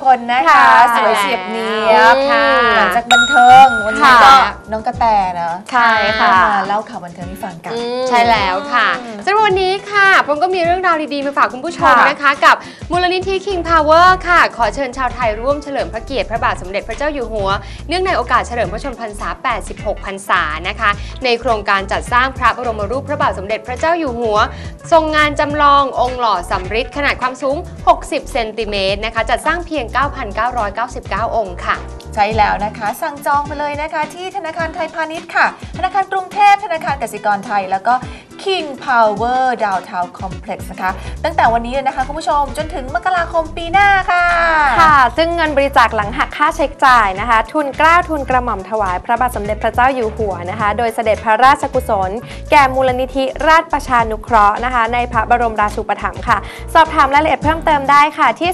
คนนะคะสวยเฉียบเนียบหลังจากบันเทิงวันนี้ก็น้องกระแตนะใช่ค่ะมาเล่าข่าวบันเทิงให้ฟังกันใช่แล้วค่ะสำหรับวันนี้ค่ะผมก็มีเรื่องราวดีๆมาฝากคุณผู้ชมนะคะกับมูลนิธิ King Power ค่ะขอเชิญชาวไทยร่วมเฉลิมพระเกียรติพระบาทสมเด็จพระเจ้าอยู่หัวเนื่องในโอกาสเฉลิมพระชนมพรรษา 86 พรรษานะคะในโครงการจัดสร้างพระบรมรูปพระบาทสมเด็จพระเจ้าอยู่หัวทรงงานจำลององค์หล่อสำริดขนาดความสูง60 เซนติเมตรนะคะจัดสร้างเพียง 9,999 องค์ค่ะใช่แล้วนะคะสั่งจองไปเลยนะคะที่ธนาคารไทยพาณิชย์ค่ะธนาคารกรุงเทพธนาคารกสิกรไทยแล้วก็ King Power Downtown Complex นะคะตั้งแต่วันนี้เลยนะคะคุณผู้ชมจนถึงมกราคมปีหน้าค่ะค่ะซึ่งเงินบริจาคหลังหักค่าใช้จ่ายนะคะทุนเกล้าทุนกระหม่อมถวายพระบาทสมเด็จพระเจ้าอยู่หัวนะคะโดยเสด็จพระราชกุศลแก่มูลนิธิราชประชานุเคราะห์นะคะในพระบรมราชูปถัมภ์ค่ะสอบถามรายละเอียดเพิ่มเติมได้ค่ะที่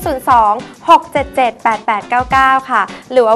02-677-8899 ค่ะหรือว่า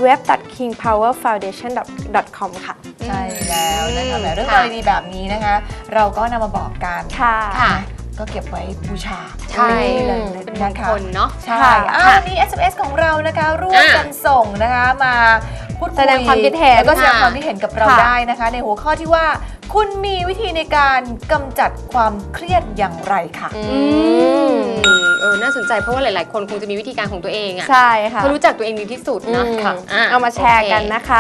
www.kingpowerfoundation.com ค่ะใช่แล้วนะคะเรื่องราวดีๆแบบนี้นะคะเราก็นำมาบอกกันค่ะก็เก็บไว้บูชาใช่เลยเป็นมนะงคะคลเนาะใช่วันนี้ SMS ของเรานะคะร่วมกันส่งนะคะมาพูดคุยแสดงความคิดเห็นแล้วก็แสดงความคิดเห็นกับเราได้นะคะในหัวข้อที่ว่าคุณมีวิธีในการกำจัดความเครียดอย่างไรค่ะน่าสนใจเพราะว่าหลายๆคนคงจะมีวิธีการของตัวเองอ่ะใช่ค่ะเขารู้จักตัวเองดีที่สุดนะเอามาแชร์กันนะคะ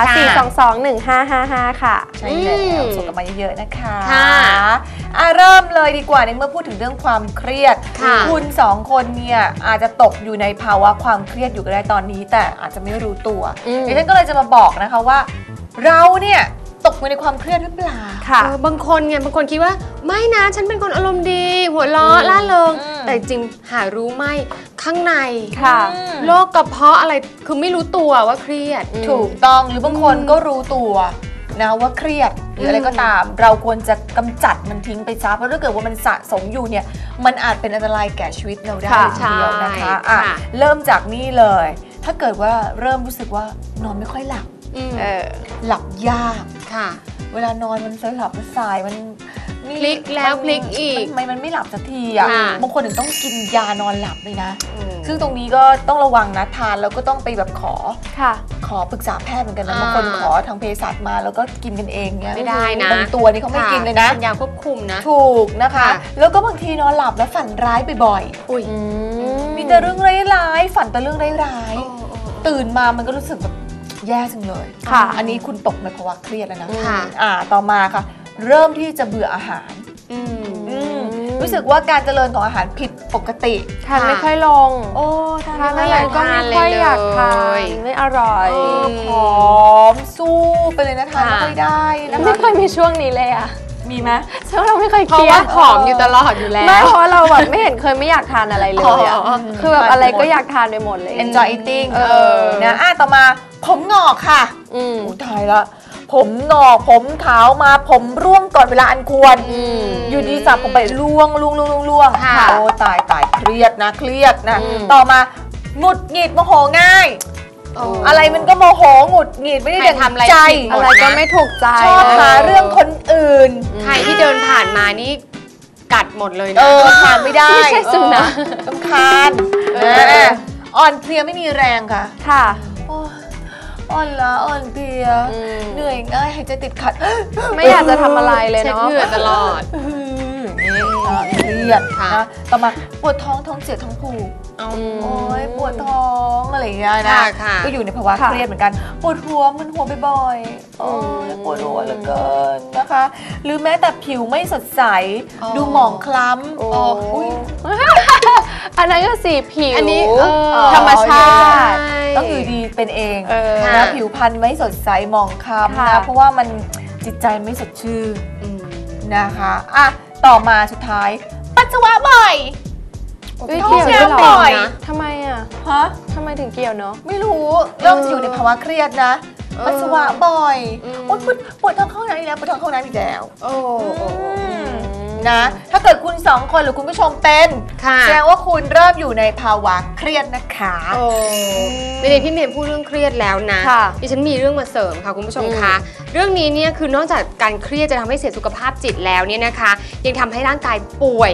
4221555ค่ะใช่แล้วส่งกันมาเยอะๆนะคะเริ่มเลยดีกว่าในเมื่อพูดถึงเรื่องความเครียดคุณ2คนเนี่ยอาจจะตกอยู่ในภาวะความเครียดอยู่ก็ได้ตอนนี้แต่อาจจะไม่รู้ตัวดิฉันก็เลยจะมาบอกนะคะว่าเราเนี่ยตกในความเครียดหรือเปล่าบางคนคิดว่าไม่นะฉันเป็นคนอารมณ์ดีหัวเราะล่าเริงแต่จริงหารู้ไหมข้างในโรคกระเพาะอะไรคือไม่รู้ตัวว่าเครียดถูกต้องหรือบางคนก็รู้ตัวนะว่าเครียดหรืออะไรก็ตามเราควรจะกำจัดมันทิ้งไปซะเพราะถ้าเกิดว่ามันสะสมอยู่เนี่ยมันอาจเป็นอันตรายแก่ชีวิตเราได้ทีเดียวนะคะเริ่มจากนี่เลยถ้าเกิดว่าเริ่มรู้สึกว่านอนไม่ค่อยหลับหลับยากค่ะเวลานอนมันสลับสายมันพลิกแล้วพลิกอีกทำไมมันไม่หลับสักทีอ่ะบางคนถึงต้องกินยานอนหลับเลยนะซึ่งตรงนี้ก็ต้องระวังนะทานแล้วก็ต้องไปแบบขอปรึกษาแพทย์เหมือนกันนะบางคนขอทางเภสัชมาแล้วก็กินกันเองเนี่ยไม่ได้นะบางตัวนี่เขาไม่กินเลยนะยาควบคุมนะถูกนะคะแล้วก็บางทีนอนหลับแล้วฝันร้ายบ่อยๆมีแต่เรื่องร้ายๆฝันแต่เรื่องร้ายๆตื่นมามันก็รู้สึกแบบแย่จังเลยอันนี้คุณตกในภาวะเครียดแล้วนะต่อมาค่ะเริ่มที่จะเบื่ออาหารรู้สึกว่าการเจริญของอาหารผิดปกติทานไม่ค่อยลงทานอะไรก็ไม่ค่อยอยากทานไม่อร่อยผอมสู้ไปเลยนะทานไม่ค่อยได้นะคะไม่ค่อยมีช่วงนี้เลยอะมีไหมช่วงเราไม่ค่อยเครียดผอมอยู่ตลอดอยู่แล้วไม่เพราะเราแบบไม่เห็นเคยไม่อยากทานอะไรเลยอะคือแบบอะไรก็อยากทานไปหมดเลย enjoy eating นะต่อมาผมงอกค่ะตายละผมงอกผมขาวมาผมร่วงก่อนเวลาอันควรอยู่ดีสับผมไปร่วงโอ้ตายเครียดนะต่อมาหงุดหงิดโมโหง่ายอะไรมันก็โมโหหงุดหงิดไม่ได้ดังใจอะไรก็ไม่ถูกใจชอบหาเรื่องคนอื่นใครที่เดินผ่านมานี่กัดหมดเลยนะทานไม่ได้ไม่ใช่สุนัขรำคาญอ่อนเพลียไม่มีแรงค่ะอ่อนล้าอ่อนเพลียเหนื่อยง่ายหายใจติดขัดไม่อยากจะทำอะไรเลยเนาะเช็ดเหงื่อตลอดเครียดนะต่อมาปวดท้องเสียท้องผูกโอ้ยปวดท้องอะไรอย่างเงี้ยนะก็อยู่ในภาวะเครียดเหมือนกันปวดหัวมึนหัวบ่อยๆโอ้ยปวดหัวเหลือเกินนะคะหรือแม้แต่ผิวไม่สดใสดูหมองคล้ำอันนั้นก็สีผิวอันนี้ธรรมชาติต้องอยู่ดีเป็นเองนะผิวพรรณไม่สดใสหมองคล้ำนะเพราะว่ามันจิตใจไม่สดชื่นนะคะต่อมาสุดท้ายปัสสาวะบ่อยท้องเสียบ่อยทำไมทำไมถึงเกี่ยวเนาะไม่รู้เริ่มจะอยู่ในภาวะเครียดนะปัสสาวะบ่อยปวดท้องเข้าน้ำอีกแล้วปวดท้องเข้าน้ำอีกแล้วนะถ้าเกิดคุณ2คนหรือคุณผู้ชมเป็นแสดงว่าคุณเริ่มอยู่ในภาวะเครียดนะคะในพี่เมย์พูดเรื่องเครียดแล้วนะดิฉันมีเรื่องมาเสริมค่ะคุณผู้ชมคะเรื่องนี้เนี่ยคือนอกจากการเครียดจะทำให้เสียสุขภาพจิตแล้วเนี่ยนะคะยังทำให้ร่างกายป่วย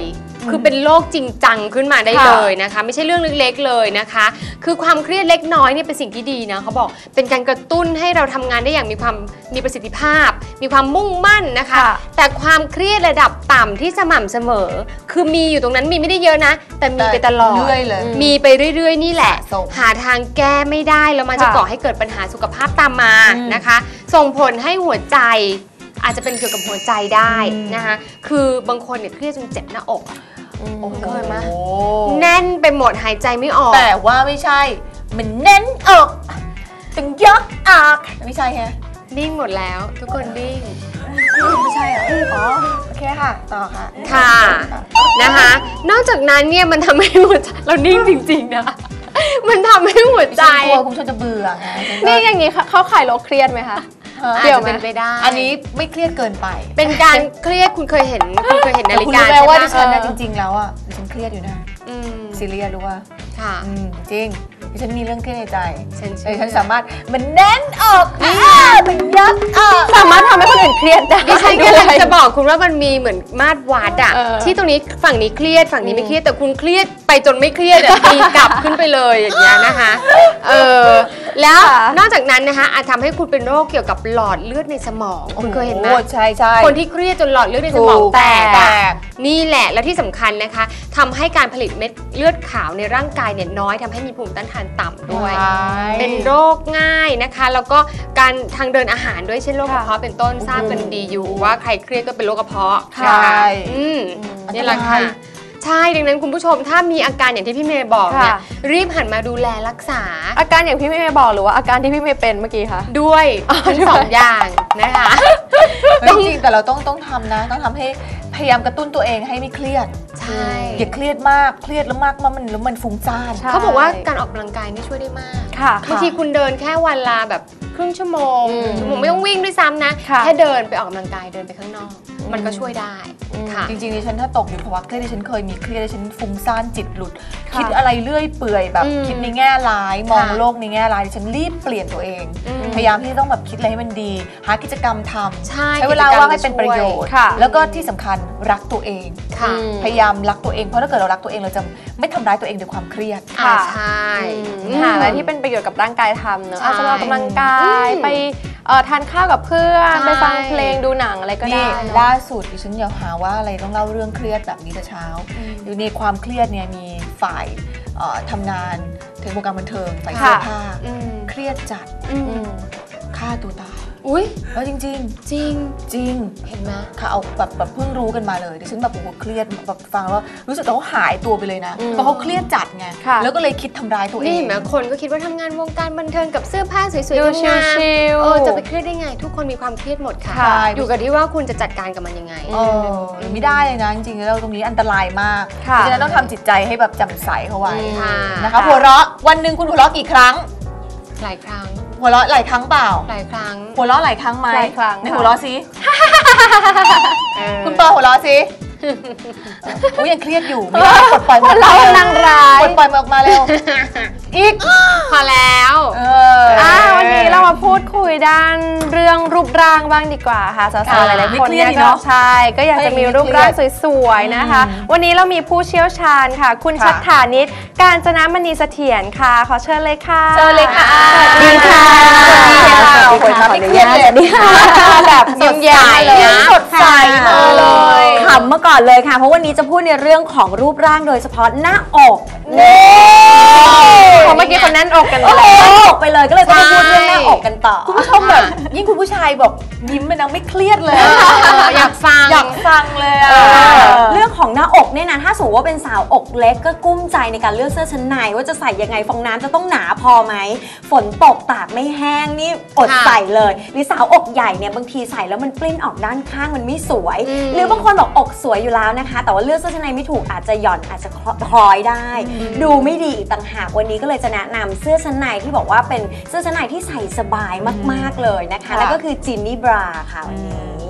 คือเป็นโรคจริงจังขึ้นมาได้เลยนะคะไม่ใช่เรื่องเล็กๆเลยนะคะคือความเครียดเล็กน้อยเนี่ยเป็นสิ่งที่ดีนะเขาบอกเป็นการกระตุ้นให้เราทำงานได้อย่างมีประสิทธิภาพมีความมุ่งมั่นนะคะแต่ความเครียดระดับต่ำที่สม่ำเสมอคือมีอยู่ตรงนั้นมีไม่ได้เยอะนะแต่มีไปตลอดมีไปเรื่อยๆนี่แหละหาทางแก้ไม่ได้แล้วมันจะก่อให้เกิดปัญหาสุขภาพตามมานะคะส่งผลให้หัวใจอาจจะเป็นเกี่ยวกับหัวใจได้นะคะคือบางคนเนี่ยเครียดจนเจ็บหน้าอกเคยไหมแน่นไปหมดหายใจไม่ออกแต่ว่าไม่ใช่มันแน่นอกตึงยักอากไม่ใช่ฮะนิ่งหมดแล้วทุกคนนิ่งไม่ใช่เหรออ๋อโอเคค่ะต่อค่ะค่ะนะคะนอกจากนั้นเนี่ยมันทำให้หัวใจเรานิ่งจริงๆนะมันทำให้หัวใจกลัวคุณชนจะเบื่อไงนี่อย่างนี้เข้าข่ายโรคเครียดไหมคะเกี่ยวเป็นไปได้อันนี้ไม่เครียดเกินไปเป็นการเครียดคุณเคยเห็นนาฬิกาใช่ไหมคุณรู้ไหมว่าดิฉันจริงๆแล้วอ่ะดิฉันเครียดอยู่นะซีเรียสรู้ว่าค่ะจริงดิฉันมีเรื่องเครียดในใจฉันสามารถมันแน่นออกมันยับสามารถทำให้คนอื่นเครียดได้ดิฉันกำลังจะบอกคุณว่ามันมีเหมือนมาตรวัดอะที่ตรงนี้ฝั่งนี้เครียดฝั่งนี้ไม่เครียดแต่คุณเครียดไปจนไม่เครียดตีกลับขึ้นไปเลยอย่างเงี้ยนะคะแล้วนอกจากนั้นนะคะอาจทำให้คุณเป็นโรคเกี่ยวกับหลอดเลือดในสมองคุณเคยเห็นไหมใช่ใช่คนที่เครียดจนหลอดเลือดในสมองแตกนี่แหละและที่สำคัญนะคะทำให้การผลิตเม็ดเลือดขาวในร่างกายเนี่ยน้อยทำให้มีภูมิต้านทานต่ำด้วยเป็นโรคง่ายนะคะแล้วก็การทางเดินอาหารด้วยเช่นโรคกระเพาะเป็นต้นทราบกันดีอยู่ว่าใครเครียดก็เป็นโรคกระเพาะใช่นี่แหละค่ะใช่ดังนั้นคุณผู้ชมถ้ามีอาการอย่างที่พี่เมย์บอกเนี่ยรีบหันมาดูแลรักษาอาการอย่างพี่เมย์บอกหรือว่าอาการที่พี่เมย์เป็นเมื่อกี้คะด้วยทั้งสองอย่างนะคะจริงๆแต่เราต้องทำนะต้องทำให้พยายามกระตุ้นตัวเองให้ไม่เครียดใช่อย่าเครียดมากเครียดแล้วมากมันฟุ้งซ่านเขาบอกว่าการออกกำลังกายนี่ช่วยได้มากบางทีคุณเดินแค่วันละแบบครึ่งชั่วโมงไม่ต้องวิ่งด้วยซ้ำนะแค่เดินไปออกกำลังกายเดินไปข้างนอกมันก็ช่วยได้ค่ะจริงๆดิฉันถ้าตกอยู่ภาวะเครียดดิฉันเคยมีเครียดดิฉันฟุ้งซ่านจิตหลุดคิดอะไรเรื่อยเปื่อยแบบคิดในแง่ร้ายมองโลกในแง่ร้ายดิฉันรีบเปลี่ยนตัวเองพยายามที่ต้องแบบคิดอะไรให้มันดีหากิจกรรมทำใช้เวลาว่างให้เป็นประโยชน์แล้วก็ที่สำคัญรักตัวเองพยายามรักตัวเองเพราะถ้าเกิดเรารักตัวเองเราจะไม่ทำร้ายตัวเองด้วยความเครียดใช่หาอะไรที่เป็นประโยชน์กับร่างกายทำเนอะอาจจะออกกำลังกายไปทานข้าวกับเพื่อนไปฟังเพลงดูหนังอะไรก็ได้ล่าสุดดิฉันอยากหาว่าอะไรต้องเล่าเรื่องเครียดแบบนี้แต่เช้าอยู่ในความเครียดเนี่ยมีฝ่ายทำงานถึงวงการบันเทิงฝ่ายเสื้อผ้าเครียดจัดฆ่าตัวตายอุ้ยแล้วจริงจริงเห็นไหมเขาเอาแบบเพิ่งรู้กันมาเลยดิฉันแบบโอ้โหเครียดแบบฟังแล้วรู้สึกเขาหายตัวไปเลยนะเพราะเขาเครียดจัดไงแล้วก็เลยคิดทำร้ายตัวเองนี่เห็นไหมคนก็คิดว่าทำงานวงการบันเทิงกับเสื้อผ้าสวยๆดูชิลจะไปเครียดได้ไงทุกคนมีความเครียดหมดค่ะอยู่กับที่ว่าคุณจะจัดการกับมันยังไงไม่ได้เลยนะจริงๆแล้วตรงนี้อันตรายมากเพราะฉะนั้นต้องทำจิตใจให้แบบแจ่มใสเข้าไว้นะคะหัวเราะวันหนึ่งคุณหัวเราะกี่ครั้งหลายครั้งหัวเราะหลายครั้งเปล่าหลายครั้งหัวเราะหลายครั้งไหมหลายครั้งในหัวเราะสิคุณเปิดหัวเราะสิโอ้ยยังเครียดอยู่ไม่ได้ปลดปล่อยมันเรานางร้ายปลดปล่อยมันออกมาเร็วอีกพอแล้ววันนี้เรามาพูดคุยด้านเรื่องรูปร่างบ้างดีกว่าค่ะสาวๆหลายๆคนเนี่ยก็ใช่ก็อยากจะมีรูปร่างสวยๆนะคะวันนี้เรามีผู้เชี่ยวชาญค่ะคุณชัฏฐานิชกาญจนมณีเสถียรค่ะขอเชิญเลยค่ะเชิญเลยค่ะสวัสดีค่ะสวัสดีค่ะไม่เครียดเลยแบบยิ้มแย้มเลยสดใสเลยขำมาก่อนเลยค่ะเพราะวันนี้จะพูดในเรื่องของรูปร่างโดยเฉพาะหน้าอกเพราะเมื่อกี้คนแน่นอกกันเลยไปเลยก็เลยต้องพูดเรื่องหน้าอกกันต่อคุณผู้ชมแบบยิ่งคุณผู้ชายบอกยิ้มมันนะไม่เครียดเลยอยากฟังเลยเรื่องของหน้าอกเนี่ยนะถ้าสมมติว่าเป็นสาวอกเล็กก็กุ้มใจในการเลือกเสื้อชั้นในว่าจะใส่ยังไงฟองน้ำจะต้องหนาพอไหมฝนตกตากไม่แห้งนี่อดใส่เลยหรือสาวอกใหญ่เนี่ยบางทีใส่แล้วมันปลิ้นออกด้านข้างมันไม่สวยหรือบางคนบอกอกสวยอยู่แล้วนะคะแต่ว่าเลือกเสื้อชั้นในไม่ถูกอาจจะหย่อนอาจจะคล้อยได้ดูไม่ดีอีกต่างหากวันนี้ก็เลยจะแนะนำเสื้อชั้นในที่บอกว่าเป็นเสื้อชั้นในที่ใส่สบายมากๆเลยนะคะแล้วก็คือจินนี่บราค่ะวันนี้นี่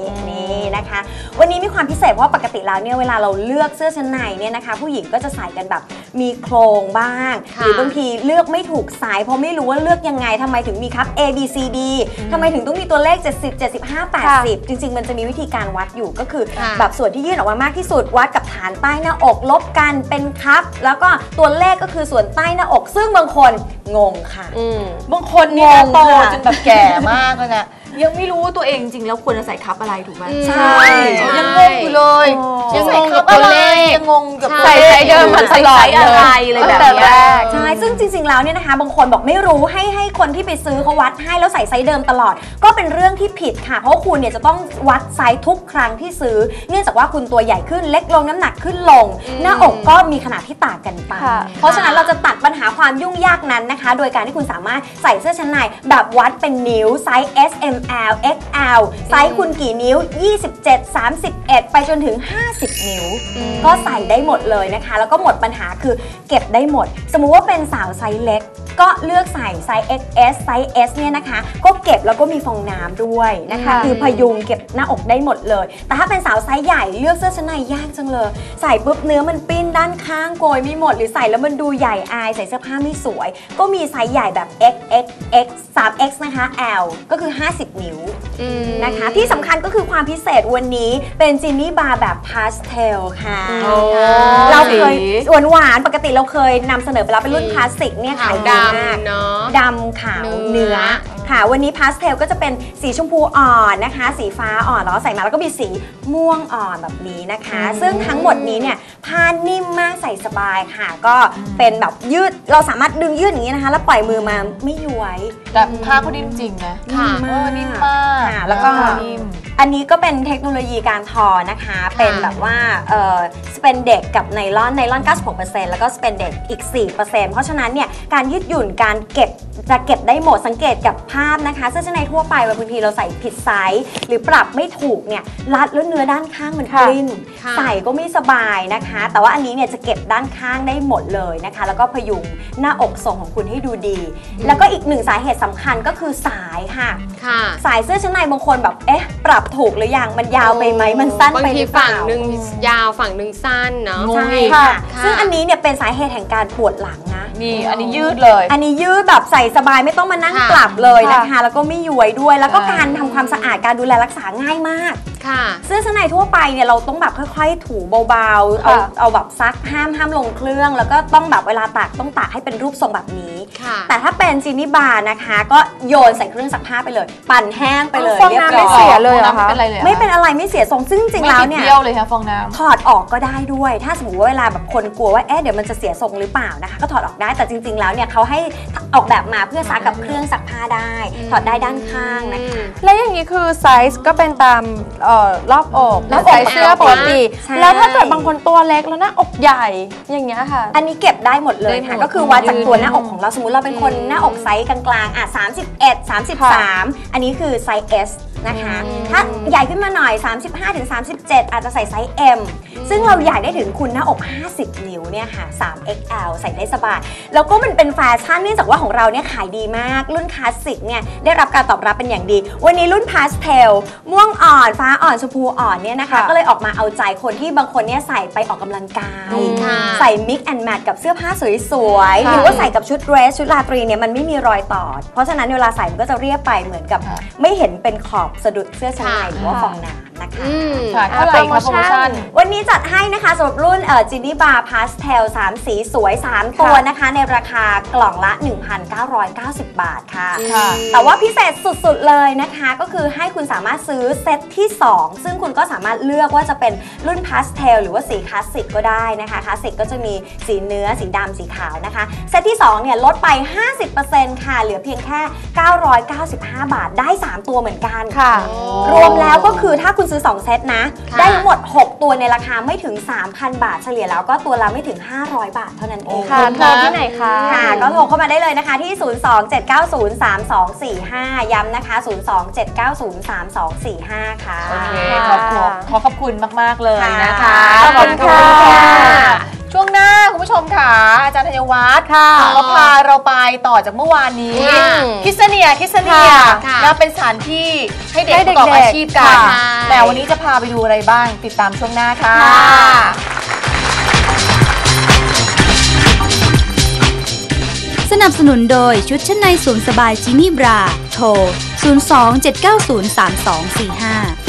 นี่นะคะวันนี้มีความพิเศษเพราะปกติแล้วเนี่ยเวลาเราเลือกเสื้อชั้นในเนี่ยนะคะผู้หญิงก็จะใส่กันแบบมีโครงบ้างหรือบางทีเลือกไม่ถูกไซส์เพราะไม่รู้ว่าเลือกยังไงทำไมถึงมีครับ A B C D ทำไมถึงต้องมีตัวเลข70 75 80จริงๆมันจะมีวิธีการวัดอยู่ก็คือแบบส่วนที่ยื่นออกมามากที่สุดวัดกับฐานใต้หน้าอกลบกันเป็นครับแล้วก็ตัวเลขก็คือส่วนใต้หน้าอกซึ่งบางคนงงค่ะบางคนนี่นะโตจนแบบแก่มากเลยนะยังไม่รู้ว่าตัวเองจริงแล้วควรจะใส่คัพอะไรถูกไหมใช่ยังงงอยู่เลยยังใส่คัพอะไรยังงงกับใส่ไซส์เดิมมันตลอดเลยแบบนี้ใช่ซึ่งจริงๆแล้วเนี่ยนะคะบางคนบอกไม่รู้ให้คนที่ไปซื้อเขาวัดให้แล้วใส่ไซส์เดิมตลอดก็เป็นเรื่องที่ผิดค่ะเพราะคุณเนี่ยจะต้องวัดไซส์ทุกครั้งที่ซื้อเนื่องจากว่าคุณตัวใหญ่ขึ้นเล็กลงน้ำหนักขึ้นลงหน้าอกก็มีขนาดที่ต่างกันไปเพราะฉะนั้นเราจะตัดปัญหาความยุ่งยากนั้นนะคะโดยการที่คุณสามารถใส่เสื้อชั้นในแบบวัดเป็นนิ้วไซส์ S M L X L ไซส์คุณกี่นิ้ว27 31ไปจนถึง50นิ้วก็ใส่ได้หมดเลยนะคะแล้วก็หมดปัญหาคือเก็บได้หมดสมมุติว่าเป็นสาวไซส์เล็กก็เลือกใส่ไซส์ XS ไซส์ S เนี่ยนะคะก็เก็บแล้วก็มีฟองน้ำด้วยนะคะคือพยุงเก็บหน้าอกได้หมดเลยแต่ถ้าเป็นสาวไซส์ใหญ่เลือกเสื้อชั้นในยากจังเลยใส่ปุ๊บเนื้อมันปิ้นด้านข้างโกยไม่หมดหรือใส่แล้วมันดูใหญ่อายใส่เสื้อผ้าไม่สวยก็มีไซส์ใหญ่แบบ XXX 3X นะคะ L ก็คือ50นิ้วนะคะที่สำคัญก็คือความพิเศษวันนี้เป็นจินนี่บาร์แบบพาสเทลค่ะเราเคยหวานปกติเราเคยนำเสนอไปแล้วเป็นรุ่นพลาสติกเนี่ยขายดีมากดำขาวเนื้อค่ะวันนี้พาสเทลก็จะเป็นสีชมพูอ่อนนะคะสีฟ้าอ่อนแล้วใส่มาแล้วก็มีสีม่วงอ่อนแบบนี้นะคะซึ่งทั้งหมดนี้เนี่ยผ้านิ่มมากใส่สบายค่ะก็เป็นแบบยืดเราสามารถดึงยืดอย่างนี้นะคะแล้วปล่อยมือมาไม่ย้วยแต่ผ้าเขานิ่มจริงนะนิ่มมากแล้วก็อันนี้ก็เป็นเทคโนโลยีการทอนะคะเป็นแบบว่าสเปนเด็กกับไนลอน96% แล้วก็สเปนเด็กอีก 4% เพราะฉะนั้นเนี่ยการยืดหยุ่นการเก็บจะเก็บได้หมดสังเกตกับภาพนะคะเสื้อชั้นในทั่วไปบางทีเราใส่ผิดไซส์หรือปรับไม่ถูกเนี่ยรัดแล้วเนื้อด้านข้างมันปลิ้นใส่ก็ไม่สบายนะคะแต่ว่าอันนี้เนี่ยจะเก็บด้านข้างได้หมดเลยนะคะแล้วก็พยุงหน้าอกทรงของคุณให้ดูดีแล้วก็อีกหนึ่งสาเหตุสำคัญก็คือสายค่ะสายเสื้อชั้นในบางคนแบบปรับถูกหรือยังมันยาวไปไหมมันสั้นไปหรือเปล่าบางทีฝั่งหนึ่งยาวฝั่งหนึ่งสั้นเนาะใช่ค่ะซึ่งอันนี้เนี่ยเป็นสาเหตุแห่งการปวดหลังนะนี่อันนี้ยืดเลยอันนี้ยืดแบบใส่สบายไม่ต้องมานั่งปรับเลยนะคะแล้วก็ไม่ย้วยด้วยแล้วก็การทำความสะอาดการดูแลรักษาง่ายมากเสื้อชั้นในทั่วไปเนี่ยเราต้องแบบค่อยๆถูเบาๆเอาแบบซักห้ามลงเครื่องแล้วก็ต้องแบบเวลาตากต้องตากให้เป็นรูปทรงแบบนี้แต่ถ้าเป็นจินนี่บาร์นะคะก็โยนใส่เครื่องซักผ้าไปเลยปั่นแห้งไปเลยเรียบร้อยไม่เสียเลยเหรอคะไม่เป็นอะไรไม่เสียทรงซึ่งจริงแล้วเนี่ยไม่เปรี้ยวเลยค่ะฟองน้ำถอดออกก็ได้ด้วยถ้าสมมติว่าเวลาแบบคนกลัวว่าเดี๋ยวมันจะเสียทรงหรือเปล่านะคะก็ถอดออกได้แต่จริงๆแล้วเนี่ยเขาให้ออกแบบมาเพื่อซักกับเครื่องซักผ้าได้ถอดได้ด้านข้างนะคะแล้วอย่างนี้คือไซส์ก็เป็นตามรอบอกใส่เสื้อปกติแล้วถ้าเกิดบางคนตัวเล็กแล้วหน้าอกใหญ่อย่างเงี้ยค่ะอันนี้เก็บได้หมดเลยค่ะก็คือวัดจากตัวหน้าอกของเราสมมติเราเป็นคนหน้าอกไซส์กลางๆ31 33อันนี้คือไซส์ S นะคะถ้าใหญ่ขึ้นมาหน่อย 35-37 อาจจะใส่ไซส์ M ซึ่งเราอยากได้ถึงคุณหน้าอก50นิ้วเนี่ยค่ะ 3XL ใส่ได้สบายแล้วก็มันเป็นแฟชั่นเนื่องจากว่าของเราเนี่ยขายดีมากรุ่นคลาสสิกเนี่ยได้รับการตอบรับเป็นอย่างดีวันนี้รุ่นพาสเทลม่วงอ่อนฟ้าอ่อนชมพูอ่อนเนี่ยนะคะก็เลยออกมาเอาใจคนที่บางคนเนี่ยใส่ไปออกกำลังกายใส่ mix and match กับเสื้อผ้าสวยๆหรือว่าใส่กับชุดเดรสชุดราตรีเนี่ยมันไม่มีรอยต่อเพราะฉะนั้นเวลาใส่มันก็จะเรียบไปเหมือนกับไม่เห็นเป็นขอบสะดุดเสื้อชั้นในหรือว่าฟองน้ำนะคะเท่าไหร่คะโปรโมชั่นวันนี้จัดให้นะคะสำหรับรุ่นจินนี่บาร์พาสเทล3สีสวย3ตัวนะคะในราคากล่องละ 1,990 บาทค่ะแต่ว่าพิเศษสุดๆเลยนะคะก็คือให้คุณสามารถซื้อเซตที่2ซึ่งคุณก็สามารถเลือกว่าจะเป็นรุ่นพาสเทลหรือว่าสีคลาสสิกก็ได้นะคะคลาสสิกก็จะมีสีเนื้อสีดำสีขาวนะคะเซตที่2เนี่ยลดไป 50% ค่ะเหลือเพียงแค่995 บาทได้3ตัวเหมือนกันค่ะรวมแล้วก็คือถ้าคุณซื้อ2เซตนะได้ทั้งหมด6ตัวในราคาไม่ถึง 3,000 บาทเฉลี่ยแล้วก็ตัวละไม่ถึง500 บาทเท่านั้นเองค่ะโทรที่ไหนคะค่ะก็โทรเข้ามาได้เลยนะคะที่027903245ย้ำนะคะ027903245ค่ะโอเคขอขอบคุณมากๆเลยนะคะขอบคุณค่ะช่วงหน้าคุณผู้ชมค่ะอาจารย์ธัญวัฒน์ค่ะเขาพาเราไปต่อจากเมื่อวานนี้ค่ะคิสเนียค่ะนะเป็นสถานที่ให้เด็กให้ประกอบเด็กๆอาชีพกันค่ะแต่วันนี้จะพาไปดูอะไรบ้างติดตามช่วงหน้าค่ะสนับสนุนโดยชุดชั้นในสวมสบายจินี่บราโทร 02-790-3245